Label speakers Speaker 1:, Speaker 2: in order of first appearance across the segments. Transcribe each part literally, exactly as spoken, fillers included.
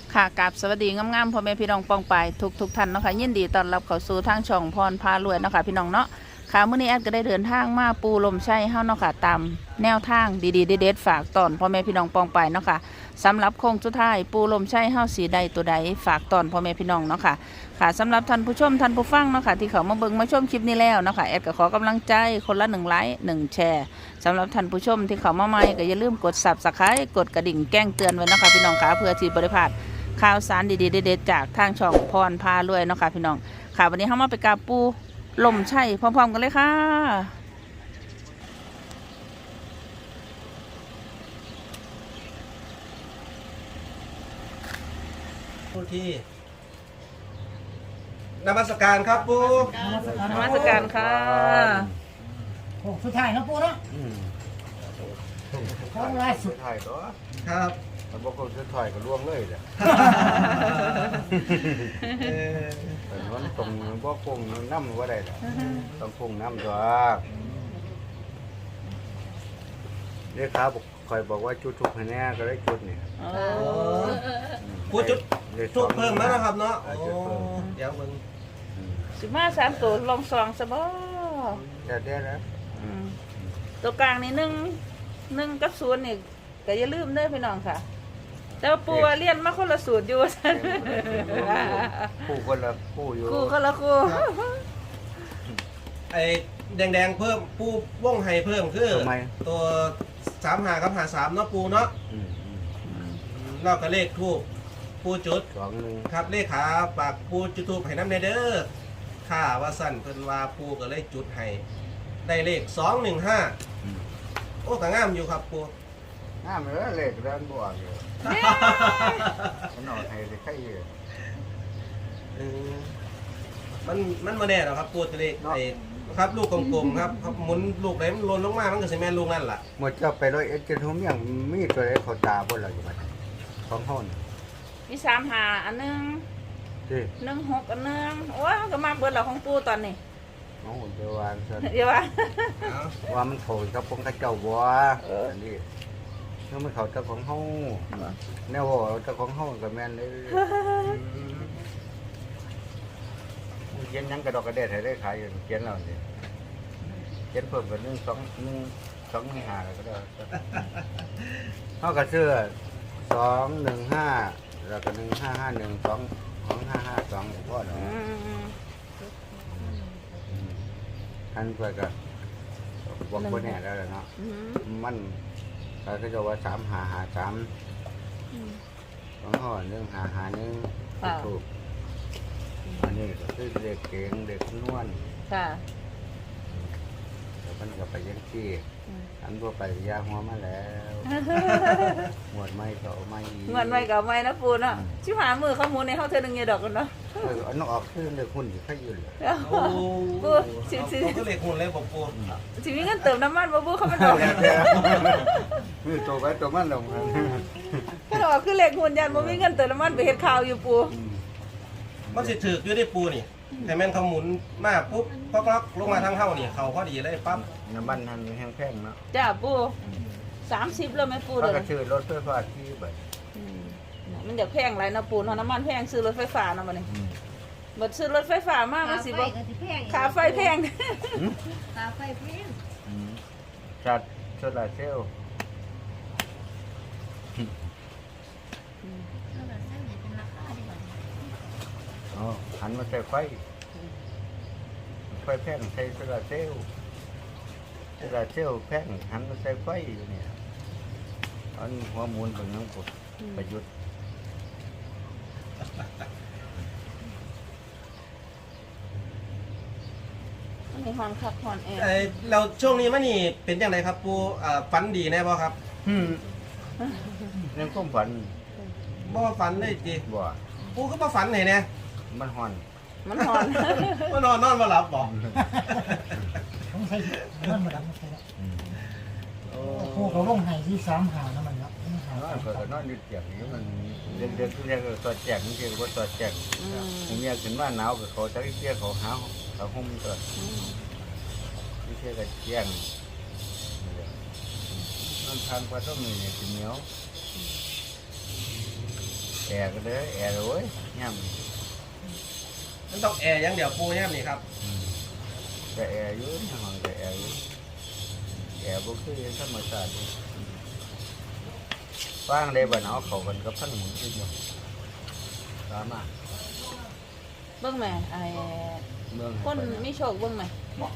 Speaker 1: ค่ะกับสวัสดีงามๆพ่อแม่พี่น้องปองไปทุกทุกท่านเนาะค่ะยินดีต้อนรับเข้าสู่ทางช่องพรพารวยเนาะค่ะพี่น้องเนาะค่ะมื้อนี้แอดก็ได้เดินทางมาปูลมไส้เฮาเนาะค่ะตามแนวทางดีๆเด็ดๆฝากตอนพ่อแม่พี่น้องปองไปเนาะค่ะสำหรับโค้งสุดท้ายปูลมไส้เฮาสีใดตัวใดฝากตอนพ่อแม่พี่น้องเนาะค่ะค่ะสำหรับท่านผู้ชมท่านผู้ฟังเนาะค่ะที่เขามาเบิ่งมาชมคลิปนี้แล้วเนาะค่ะแอดก็ขอกำลังใจคนละหนึ่งไลค์หนึ่งแชร์สำหรับท่านผู้ชมที่เขามาใหม่ก็อย่าลืมกด ซับสไครบ์ กดกระดิ่งแจ้งเตือนไว้เนาะค่ะพี่น้องค่ะเพื่อที่บ่ได้พลาดข่าวสารดีๆเด็ดๆจากทางช่องพรพารวยเนาะค่ะพี่น้องค่ะวันนี้เรามาไปกราบปูลมไช่พร้อมๆกันเลยค่ะ
Speaker 2: ผู้ที่นมัสการครับปู
Speaker 1: นมัสการค่ะ
Speaker 3: โอ้สุดท้ายนะปูเนาะเขาล่าสุ
Speaker 4: สุ
Speaker 3: ด
Speaker 4: ดท้ายตัว
Speaker 2: ครับ
Speaker 4: มันบอกว่าสุดท้ายก็ร่วงเลยแหละ
Speaker 2: เอ่อ
Speaker 4: แต่มันตรงบ่คงน้ำว่าได้ล่ะต้องคงน้ำตัวเรียกขาบอกคอยบอกว่าจุดทุกคะแนนก็ได้จุดนี่
Speaker 1: โอ้
Speaker 2: ปูจุด
Speaker 4: ลข
Speaker 2: จุดเพิ่มแล้วนะครับเนาะ
Speaker 4: อ่
Speaker 2: โอ้
Speaker 4: จุดเพิ่ม
Speaker 2: เดี๋ยวมึง
Speaker 4: อืม
Speaker 1: สิมาสามตัวลองซองซะบ่
Speaker 4: แต่เดี๋ยวนะ
Speaker 1: อืมตัวกลางนี่หนึ่งหนึ่งกับศูนย์นี่ก็อย่าลืมเด้อพี่น้องค่ะ แต่ว่าปูว่าเรียนมาคนละสูตรอยู่ซั่น
Speaker 4: คู่คนละคู่อยู่
Speaker 1: ครูคนละครู
Speaker 2: ไอ้แดงๆเพิ่มปูว่องไห้เพิ่มคือ
Speaker 4: ทำไม
Speaker 2: ตัวสามหากับหาสามเนาะปูเนาะ
Speaker 4: อืมอืม
Speaker 2: นอกกับเลขทูบปูจุด
Speaker 4: สองหนึ่ง
Speaker 2: ครับเลขขาปากปูจุดทูบให้น้ำในเด้อข้าว่าสั่นเพิ่นว่าปูก็เลยจุดให้ได้เลขสองหนึ่งห้า
Speaker 4: อืม
Speaker 2: โอ้ก็งามอยู่ครับปู
Speaker 4: น้ำเหลือเลขด้านบวกอยู่มันเอาให้ได้ใครอยู่
Speaker 2: เออมันมันมาแน่หรอกครับปูตัวเลขไอ้ครับลูกกลมๆครับครับหมุนลูกไหนมันหล่นลงมามันก็สิแม่นลูกนั่นล่ะ
Speaker 4: หมดเจ้าไปร้อยเอ็ดจะทุ่มยังมีตัวใดเขาตาบ่ล่ะอยู่บัดของเฮานี่
Speaker 1: มีสามหาอันหนึง
Speaker 4: ที่
Speaker 1: หนึ่งหกอันหนึงโอ้ยก็มาเบิดแล้วของปูตอนนี้
Speaker 4: น้องเดี๋ยววางซะ
Speaker 1: เดี๋ยวว่า
Speaker 2: เอา
Speaker 4: ว่ามันเขาเจ้าของเขาเจ้าบัวอันนี้ถ้ามันเขาเจ้าของเฮาแนวว่าเจ้าของเฮาก็แม่นเลยเขียนหยังกระดอกกระเด็ดให้ได้ขายอยู่เขียนแล้วนี่เขียนเพิ่มกันหนึ่งสองหนึ่งสองหนึ่งห้าก็ได้เฮาก็ซื้อสองหนึ่งห้าแล้วก็หนึ่งห้าห้าหนึ่งสองสองห้าห้าสองก็เนาะ
Speaker 1: อืม
Speaker 4: อันเพื่อก็บอกคนแน่แล้วเนาะ
Speaker 1: อืม
Speaker 4: มันเขาก็จะว่าสามหาหาสาม
Speaker 1: อืม
Speaker 4: สองห่อหนึ่งหาหาหนึ่ง
Speaker 1: ค่ะ
Speaker 4: ถูกอันนี้ก็คือเด็กเก่งเด็กนวล
Speaker 1: ค่ะ
Speaker 4: แล้วมันก็ไปยังที่
Speaker 1: อืม
Speaker 4: อันทั่วไปยาหัวมาแล้วหมวดไม่ก็เอาไม่อีก
Speaker 1: เงินไว้กับไว้นะปูเนาะชิบหามือเขาหมุนในเขาเธอหนึ่งเงยดอกกันเนาะ
Speaker 4: เอออันนั้นออกคือเด็กหุ่นอยู่แค่ยืนเลย
Speaker 2: โอ้
Speaker 1: ปูสิสิ
Speaker 2: เอาก็เลขหุ่นเลยบอกปู
Speaker 1: สิมีเงินเติมน้ำมันบ่ปูเขาไม่ดอก
Speaker 4: คือตัวไปตัวมันลงมา
Speaker 1: เขาดอกคือเหล็กหุ่นยันบ่มีเงินเติมน้ำมันไปเฮ็ดข่าวอยู่ปู
Speaker 2: มันสิถือกอยู่ได้ปูนี่แต่แม่นเขาหมุนมาปุ๊บก็กล็อกลงมาทางเฮานี่เขาพอดีเลยปั๊บ
Speaker 4: น้ำมันนั่นแห้งแพงเนาะ
Speaker 1: จ้าปูสามสิบแล้วไหมปู
Speaker 4: เขา
Speaker 1: เด้
Speaker 4: ก็
Speaker 1: อ
Speaker 4: ชื่อรถไฟฟ้าที่แบบ
Speaker 1: อืมมันอยากแพงไรนะปูเนาะน้ำมันแพงซื้อรถไฟฟ้าเนาะบัดนี้บัดซื้อรถไฟฟ้ามากมันสิบ่ค่าไฟแพง
Speaker 3: ค่าไฟแพง
Speaker 4: จัดโซลาร์เซลล์
Speaker 3: แล้วก็เส้นนี่เป็นราคาดีกว่า
Speaker 4: อ๋อหันมาใส่ไฟไฟแพงใส่โซลาร์เซลล์โซลาร์เซลล์แพงหันมาใส่ไฟอยู่เนี่ยอันหัวมูลเป็นยังกดประยุทธ์
Speaker 1: มันมีฮอนคักฮอนแอร์
Speaker 2: เอ้ยเราช่วงนี้มันนี่เป็นยังไงครับปูอ่าฝันดีแน่บ่ครับ
Speaker 4: อืมยังก้มฝัน
Speaker 2: บ่ว่าฝันเลยจี
Speaker 4: บ่
Speaker 2: ปูก็บ่ฝันไหนเนี่ย
Speaker 4: มันห่อน
Speaker 1: มันฮอน
Speaker 2: ว่านอนนอนบ่หลับบ่
Speaker 3: ต้องใช้มันมาดังใช่ไหม
Speaker 2: โอ้
Speaker 3: โอ้เขาลงไห้ที่สามหานะมันเนาะหาน
Speaker 4: อนก็นอนอยู่เตียงนี้มันเด็กๆทุกอย่างก็สอดแจกนี่คือว่าสอดแจก
Speaker 1: อืม
Speaker 4: ผมอยากถึงว่าหนาวกับเขาจะเที่ยวเขาหาเขาห่มตัว
Speaker 1: อืม
Speaker 4: ที่เที่ยวกับเที่ยงนั่นทานปลาต้มนี่เหนียวแอร์ก็เด้อแอร์เลยเว้ยย่
Speaker 2: มันต้องแอร์อย่างเดียวปูย่ำนี่ครับ
Speaker 4: ำอืมแต่แอร์อยู่ในห้องแต่แอร์อยู่แอร์บ่คือธรรมชาติฟังได้บ่เนาะเขากันกับพันหมุนขึ้นบ่ตามมา
Speaker 1: เบิ่งแม่ไอ้
Speaker 4: เมือง
Speaker 1: คนมีโชคเบิ่งแม่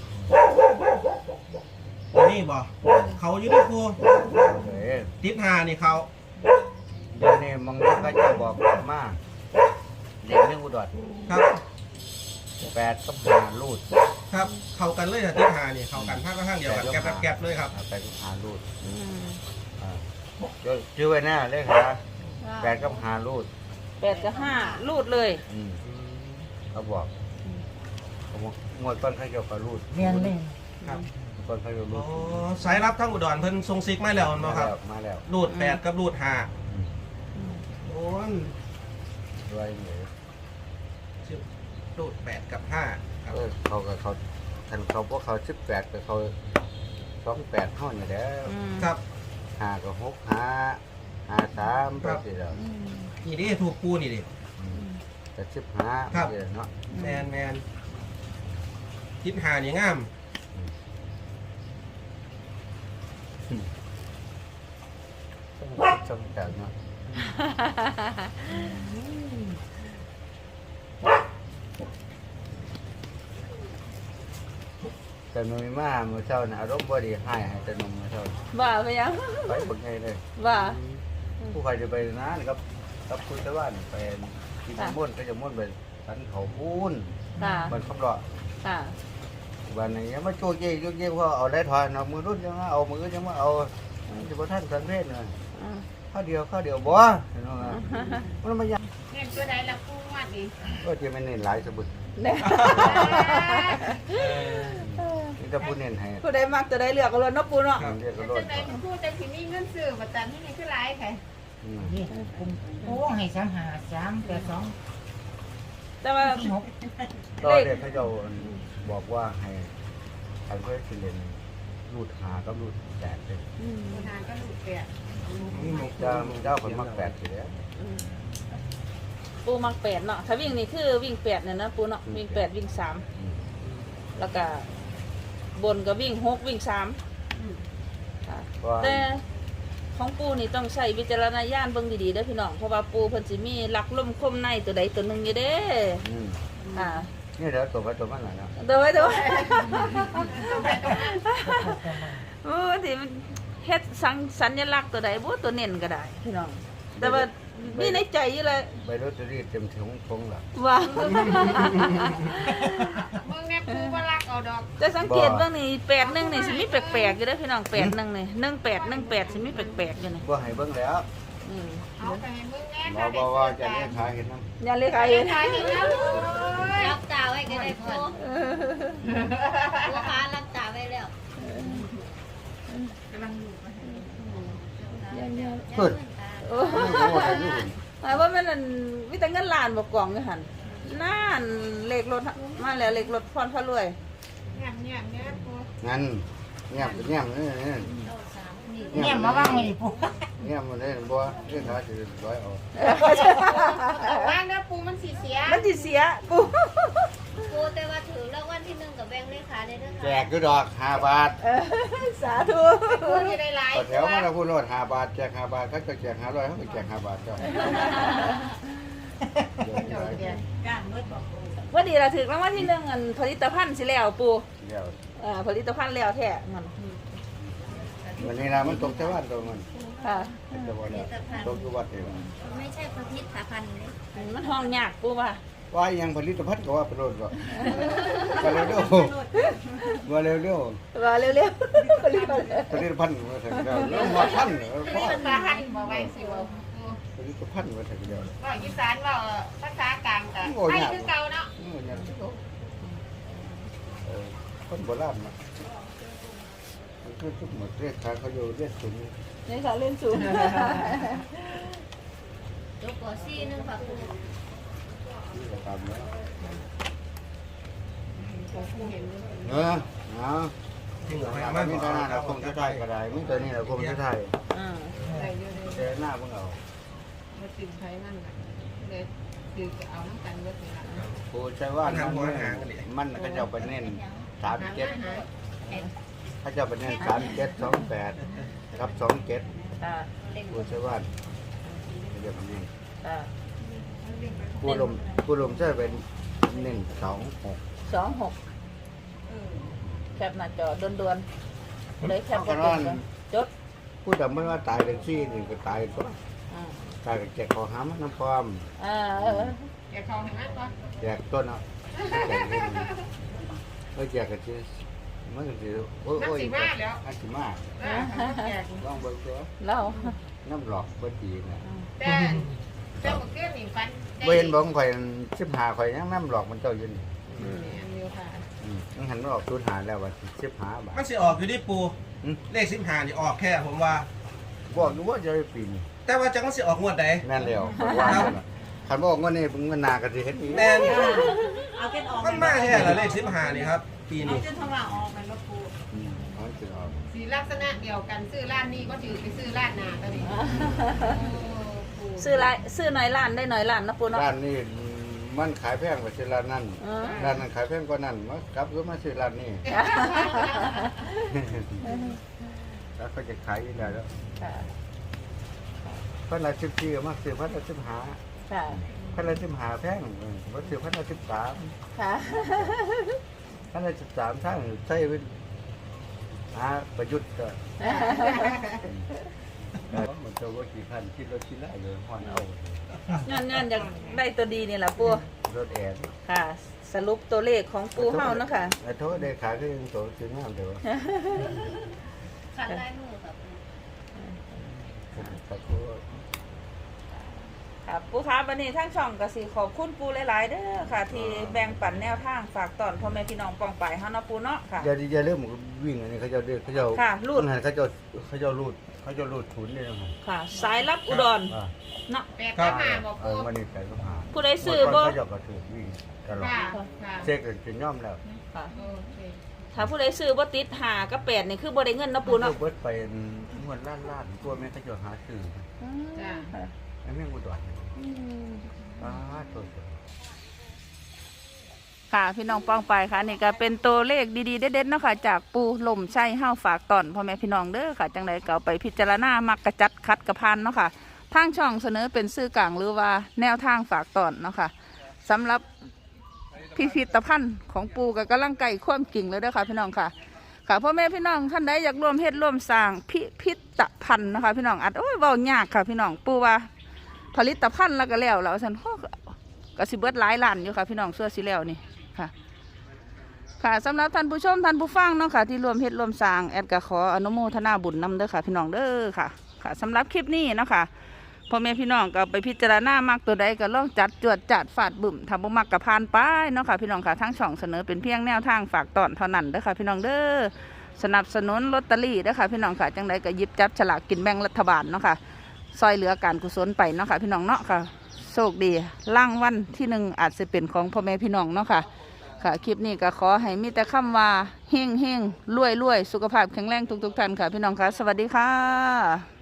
Speaker 2: นี่บ่เขาอยู่ที่ปู
Speaker 4: เอ้ย
Speaker 2: ทิศหานี่เขา
Speaker 4: เดี๋ยวนี้มองนี้ก็จะบอกมาเด็กเรื่องอุดร
Speaker 2: ครับ
Speaker 4: แปดกับห้ารูด
Speaker 2: ครับเขากันเลยทิศหานี่เขากันภาคข้างเดียวกันแกลบแกลบเลยครับ
Speaker 4: แปดกับห้ารูด
Speaker 1: อืม
Speaker 4: อ่าเดี๋ยวชื่อไว้แน่เลยค่ะแปดกับห้ารูด
Speaker 1: แปดกับห้ารูดเลย
Speaker 4: อืมเขาบอกเขาบอกงวดต้นเขาเกี่ยวกับรูด
Speaker 3: เรียนเลย
Speaker 2: ครับ
Speaker 4: ต้นเขาเกี่ยวกับรู
Speaker 2: อ๋อ
Speaker 4: ด
Speaker 2: สายรับทั้งอุดรเพิ่นทรงซิกมาแล้ว
Speaker 4: มา
Speaker 2: เนาะค
Speaker 4: แล้
Speaker 2: รับ
Speaker 4: วมาแล้ว
Speaker 2: รูดแปดกับรูดห้า
Speaker 4: อืม
Speaker 2: โอ้ย
Speaker 4: ด้วยเหนือ
Speaker 2: ชื่อรูดแปดกับห้าครับ
Speaker 4: เออเขากับเขาทันเขาพวกเขาสิบแปดกับเขาสองแปดห้องอยู่แล้ว
Speaker 1: อืม
Speaker 2: ครับ
Speaker 4: ห้ากับหกห้าห้าสามไปสิแล้ว
Speaker 1: อืม
Speaker 2: นี่ดิถูกปูนี่ดิ
Speaker 4: อืมแต่สิบห้า
Speaker 2: ครับ
Speaker 4: ไปสิเนาะ
Speaker 2: แมนแมนทิศหานี่งาม
Speaker 4: ต้องจำกัดเนาะแต่หนุ่ยมาเมื่อเช้าน่ะอารมณ์บ่ดีให้ให้แต่หนุ่มเมื่อเช้า
Speaker 1: ว่าไปยัง
Speaker 4: ไปบักไงเลย
Speaker 1: ว่า
Speaker 4: ผู้ใครจะไปนานกับกับคุณตะวันไปกินม่วนก็จะม่วนไปสันเขาพูน
Speaker 1: ค่ะ
Speaker 4: มันคำรอ
Speaker 1: ค่ะ
Speaker 4: วันนี้ยังมาโจเย่โจเย่เพราะเอาได้ถอยเอามือรุ่นยังมาเอามือยังมาเอาจะมาท่านสันเพศเลย
Speaker 1: อืม
Speaker 4: ข้าวเดียวข้าวเดียวบ่เห็นไหมมันมายัง
Speaker 5: เงินตัวใดละปูวัดดิ
Speaker 4: ก็จะไม่เน้นหลายสบุด
Speaker 1: เนี่ย
Speaker 4: นี่จะพูดเน้นให้
Speaker 1: ผู้ใดมักจะได้เลือกเอาเลยเนาะปูเนาะ
Speaker 4: เรียกกระโด
Speaker 5: ตัว
Speaker 4: ด
Speaker 5: ใดพูดแต่สิมีเงินซื้อประจันที่นี่คือหลายค่ะ
Speaker 3: นี่ผมโอ้ให้สามหาสามแปดสอง
Speaker 1: แต่ว่า
Speaker 3: สี่หก
Speaker 4: ก็เด็กเขาจะบอกว่าให้ใครเพื่อสิเลนรูดหาก็รูดแปดเลย
Speaker 1: อืม
Speaker 5: ทางก็หลุดแปด
Speaker 2: นี่หมก
Speaker 4: เจ้าเจ้าคนมักแปดสิแล้ว
Speaker 1: อืมปูมักแปดเนาะถ้าวิ่งนี่คือวิ่งแปดเนี่ยนะปูเนาะวิ่งแปดวิ่งสามแล้วก็บนก็วิ่งหกวิ่งสามค่ะ
Speaker 4: ว่า
Speaker 1: แต่ของปูนี่ต้องใช้วิจารณญาณเบิ่งดีๆเด้อพี่น้องเพราะว่าปูเพิ่นสิมีหลักลมคมในตัวใดตัวหนึ่งอยู่เด้
Speaker 4: อืม
Speaker 1: อ่า
Speaker 4: นี่เดี๋ยวตัวไปตัวมันหน่อยนะ
Speaker 1: เดี๋ยวไว้เดี๋ยวไว้โอ้ที่มันเฮ็ดสังสัญลักษณ์ตัวใดบ่ตัวเน้นก็ได้พี่น้องแต่ว่ามีในใจอยู่เลย
Speaker 4: ใบรถจะรีดเต็มถุงทงหรอ
Speaker 1: ว่า
Speaker 5: มึงแม่ปูว่ารักเอาดอก
Speaker 1: จะสังเกตเบิ่งนี่แปดหนึ่งนี่สิมีแปลกๆอยู่เด้อพี่น้องแปดหนึ่งนี่หนึ่งแปดหนึ่งแปดสิมีแปลกๆอยู่นี่
Speaker 4: ว่าให้เบิ้งแล้ว
Speaker 1: อืม
Speaker 5: เอาไปให้มึงแน่
Speaker 4: หมอบอกว่าจะได้ขายเห็นน้ำ
Speaker 1: อย่าเลยใครเห็น
Speaker 5: ขายให้แล้วเลย
Speaker 6: รับตาไว้ก็ได้ปูลูกค้ารับตาไว้แล้ว
Speaker 5: กำลังอยู่มาให้
Speaker 4: เพิ่น
Speaker 1: โอ้
Speaker 4: ไม่รู้ว่าอะไรนี่เพิ่น
Speaker 1: หมายว่ามันนั่นมีแต่เงินล้านบ่กล่องอยู่หั่นนั่นเลขรถมาแล้วเลขรถพรพระรวย
Speaker 5: เงียบเงียบเงียบปู
Speaker 4: งั้นเงียบเงียบนี่นี่
Speaker 3: เนี่ยมาว่างไว้ดิปุ๊
Speaker 4: เงียบมันได้บ่เรื่องขาจะร้อยเอา
Speaker 5: ว่างเด้อปูมันสีเสีย
Speaker 1: มันสิเสียกู
Speaker 6: ปูแต่ว่าถือรางวัลที่หนึ่งกับแบงค์เลขาได้ด้วย
Speaker 4: แจ
Speaker 6: ค่ะ
Speaker 4: กก็ดอกห้าบาท
Speaker 1: เออสาธุ
Speaker 5: ปูจะได้หลาย
Speaker 4: ต่อแถวมาแล้วพูดโลดห้าบาทแจกห้าบาทเขาจะแจกห้าร้อยเขาก็แจกห้าบาทเจ้า
Speaker 1: ว่าดีละถึกรางวัลที่หนึ่งอันผลิตภัณฑ์สิแล้วปู
Speaker 4: เดี๋ยว
Speaker 1: อ่าผลิตภัณฑ์แล้วแท้มัน
Speaker 4: วันนี้นะมันตกชาวบ้านตรงมัน
Speaker 1: ค่ะ
Speaker 4: จะบอกแล้วตกอยู่วัดเดียว
Speaker 6: ไม่ใช่พระพิษสาพันธ์เลย
Speaker 1: มันห้องยากปูว่า
Speaker 4: ว่ายังผลิตภัณฑ์ก็ว่าเป็นโลดก็มาเร็วๆมาเร็ว
Speaker 1: ว่าเร็วๆผลิตภัณฑ์
Speaker 4: ๆผลิตภัณฑ์มาถึงแล้วแล้วมาพันเหรอพ่อ
Speaker 5: มันมาหันมาไว้สิว่าปู
Speaker 4: ผลิตภัณฑ์มาถึงแล้ว
Speaker 5: ว่าอีสานว่าภาษากลางกันให้คือเก่าเนาะ
Speaker 4: เออเนี่ยเออคนโบราณนะมันคือทุกหมดเรียกขาเขาอยู่เรียกสูง
Speaker 1: ในสาเล่นสูง
Speaker 6: ยกก่อซี่นึงค่ะปู
Speaker 4: นี่ก็ตามแล้ว
Speaker 5: ปูเห็น
Speaker 4: เออเอา
Speaker 2: ที่เหลือให้
Speaker 4: ไม่
Speaker 2: มา
Speaker 4: มีตัวนั้นเราคงจะได้ก็ได้ไม่ตัวนี้เราคงจะได้
Speaker 1: อ่า
Speaker 5: ใส่อยู่ใน
Speaker 4: แต่หน้าพวกเรา
Speaker 5: มมาติ่มไทยมันเลยคือจะเอาน้ำกันเยอะไปละ
Speaker 4: ผู้ใช้ว่ามันมันก็จะไปเน้นสามเจ็ดเขาจะไปเน้นสามเจ็ดสองแปดกับสองเจ็ด
Speaker 1: ค่ะ
Speaker 4: ผู้ใช้ว่าเดี๋ยวมันนี่
Speaker 1: ค่ะ
Speaker 4: ผู้ลมผู้ลมจะเป็นเน้นสองหก
Speaker 1: สองหกแคปหน้าจอด่วนๆเลยแคป
Speaker 4: เพ
Speaker 1: ก็
Speaker 4: ราะ
Speaker 1: เป็น
Speaker 4: ว่า
Speaker 1: จด
Speaker 4: ผู้ดำไม่ว่าตายเป็นซี่นี่ก็ตายตัว
Speaker 1: อืม
Speaker 4: ตายกับแจกคอหามันน้ำความ
Speaker 1: อ่า
Speaker 5: แกเขาเห็นไหมปะ
Speaker 4: แจกต้นเนาะแจกเล่นไม่แจกกันจีมันก็จีโอ้ย
Speaker 5: นัก
Speaker 4: โอ้ย
Speaker 5: สีมาแล้ว
Speaker 4: นักสีมา
Speaker 5: แก
Speaker 4: ลองเบิ่งตัว
Speaker 1: เล่า
Speaker 4: น้ำหลอกบ่ดีนะ
Speaker 5: แต่แต่เมื่อคืนนี่ฟัน
Speaker 4: เว้นบ่ข่อยสิบหาข่อยยังน้ำหลอกมันเจ้าอยู่นี่
Speaker 5: อันเดียวค่ะ
Speaker 4: อืมมันหันมาออกศูนย์หาแล้วว่าสิบหาบาท
Speaker 2: มันสิออกอยู่ที่ปู
Speaker 4: อืม
Speaker 2: เลขสิบห้านี่ออกแค่ผมว่า
Speaker 4: บอกอยู่ว่าจะได้ปีนี้
Speaker 2: แต่ว่าจังมันสิออกงวดใด
Speaker 4: แม่นแล้วเพราะว่าคันบอกว่านี่เงินนาก็สิเฮ็ดอีก
Speaker 2: แน่น
Speaker 6: เอาเก็ตออก
Speaker 2: มันมาแค่ละเลขสิบห้านี่ครับ ปี
Speaker 6: เอา
Speaker 2: นี้
Speaker 6: เก็ตทว่าออกมันลบปู
Speaker 4: อืมมันสิออก
Speaker 5: สีลักษณะเดียวกันซื้อร้านนี้ก็ถือไปซื้อร้านนาตอนนี้
Speaker 1: ซื้อไรซื้อหน่อยล้านได้หน่อยล้านนะปูเนาะ
Speaker 4: ร้านนี้มันขายแพงกว่าซื้อร้านนั้น
Speaker 1: เออ
Speaker 4: ร้านนั้นขายแพงกว่านั้นมากลับก็มาซื้อร้านนี้ แล้วก็จะขายอยู่ได้แล้ว
Speaker 1: ค่ะ
Speaker 4: พันละสิบสี่มาซื้อพันละสิบห้า
Speaker 1: ค่ะ
Speaker 4: พันละสิบห้าแพงมาซื้อพันละสิบสาม
Speaker 1: ค่ะ
Speaker 4: พันละสิบสามทั้งใช้เป็นหาประยุทธ์ก็มันจะว่ากี่พันคิดรถคิดไรเลยฮอนเอา
Speaker 1: งานงานอยากได้ตัวดีนี่แหละปู
Speaker 4: รถแอร์
Speaker 1: ค่ะ สรุปตัวเลขของปูเฮาเนาะค่ะ
Speaker 4: ไอ้โทษได้ขายก็ยังโตถึงงามเดียว
Speaker 6: ขันได้มือครับ
Speaker 4: ขอบ
Speaker 1: ค่ะปูคะวันนี้ทั้งช่องก็สิขอบคุณปูหลายๆเด้อค่ะ ที่แบ่งปันแนวทางฝากตอนพ่อแม่พี่น้องปองไปเฮาเนาะปูเนาะค่ะ
Speaker 4: อย่าอย่าเริ่มวิ่งอันนี้เขาจะเดือดเขาจะ
Speaker 1: ค่ะรูด
Speaker 4: เขาจะเขาจะรูดเขาจะรูดทุนเนี่ยนะครับ
Speaker 1: ค่ะ สายรับอุดร
Speaker 4: อ่า
Speaker 1: เนาะ
Speaker 5: แปดก็มาบอก
Speaker 4: เอ
Speaker 5: กู
Speaker 4: อมันนี่ใส่ก็ผ่าน
Speaker 1: ผู้ใดซื้อบ่
Speaker 4: เขาจะกระถือวิ่งตลอด
Speaker 5: ค่ะค่ะ
Speaker 4: เช็คจะย่อมแล้ว
Speaker 1: ค่ะ
Speaker 5: โอเค
Speaker 1: ถ้าผู้ใดซื้อบ่ติดหากับแปดนี่คือบ่ได้เงินเนาะปูเนาะ
Speaker 4: เบิดไปงวดล้านล้านตัวแม่เขาจะหาซื้อ
Speaker 5: จ้า
Speaker 1: ค่ะ
Speaker 4: ไอ้แม่งกูตรวจอ้าตัว
Speaker 1: ค่ะพี่น้องป้องไปค่ะนี่ก็เป็นตัวเลขดีๆเด็ดๆเนาะค่ะจากปูลมไส้ห้าวฝากตอนพ่อแม่พี่น้องเด้อค่ะจังใดก็เอาไปพิจารณามักกระจัดคัดกระพันเนาะค่ะทางช่องเสนอเป็นสื่อกลางหรือว่าแนวทางฝากตอนเนาะค่ะสำหรับพิพิธภัณฑ์ของปูกับกำลังไก่ความกิ่งเลยเด้อค่ะพี่น้องค่ะค่ะพ่อแม่พี่น้องท่านใดอยากร่วมเฮ็ดร่วมสร้างพิพิธภัณฑ์นะคะพี่น้องอัดโอ้ยเว้ายากค่ะพี่น้องปูว่าผลิตภัณฑ์แล้วก็แล้วแล้วฉันก็สิเบิดหลายล้านอยู่ค่ะพี่น้องเสื้อสีแล้วนี่ค่ะค่ะสำหรับท่านผู้ชมท่านผู้ฟังเนาะค่ะที่รวมเฮ็ดรวมสร้างแอดก็ขออนุโมทนาบุญนำเด้อค่ะพี่น้องเด้อค่ะค่ะสำหรับคลิปนี้เนาะค่ะพ่อแม่พี่น้องก็ไปพิจารณามากตัวใดก็ลองจัดจวดจัดฝาดบึ่มทำบ่มักกับพานไปเนาะค่ะพี่น้องค่ะทั้งช่องเสนอเป็นเพียงแนวทางฝากตอนเท่านั้นเด้อค่ะพี่น้องเด้อสนับสนุนลอตเตอรี่เด้อค่ะพี่น้องค่ะจังใดก็หยิบจับฉลากกินแบ่งรัฐบาลเนาะค่ะซอยเหลือการกุศลไปเนาะค่ะพี่น้องเนาะค่ะโชคดีล่างวันที่หนึ่งอาจจะเป็นของพ่อแม่พี่น้องเนาะค่ะค่ะคลิปนี้ก็ขอให้มีแต่คำว่าเฮงเฮงรวยรวยสุขภาพแข็งแรงทุกๆท่านค่ะพี่น้องค่ะสวัสดีค่ะ